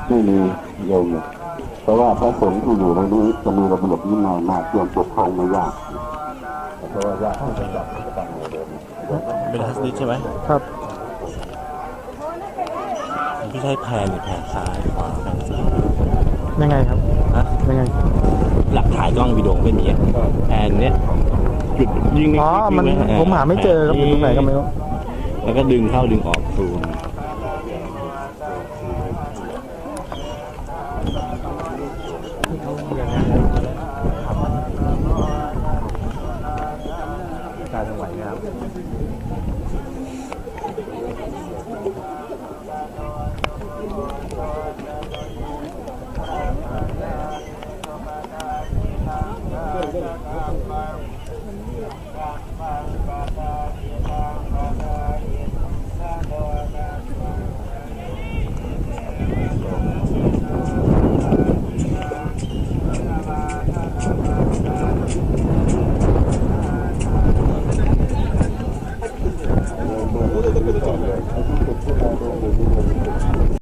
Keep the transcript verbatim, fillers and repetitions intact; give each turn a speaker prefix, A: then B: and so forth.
A: ไม่มีโยมเพราะว่าพระสงฆ์ที่อยู่ในนี้จะมีระเบียบวินัยมากเรื่องปกครองไม่ยากเพราะว่ายากที่จะจับที่จะตั้งหัวเดิม
B: เป็นทัศนิกใช่ไหม
C: ครับ
B: ไม่ใช่แพนหรือแพนซ้ายขวาแพนซ้าย
C: ยังไงครับ
B: ฮะ
C: ยังไง
B: หลักถ่ายกล้องวิดีโอไม่มีอะแพนเนี้ยจุดยิง
C: อ๋อมันผมหาไม่เจอครับอยู่ตรงไหนก็ไม่รู้
B: แล้วก็ดึงเข้าดึงออกซูม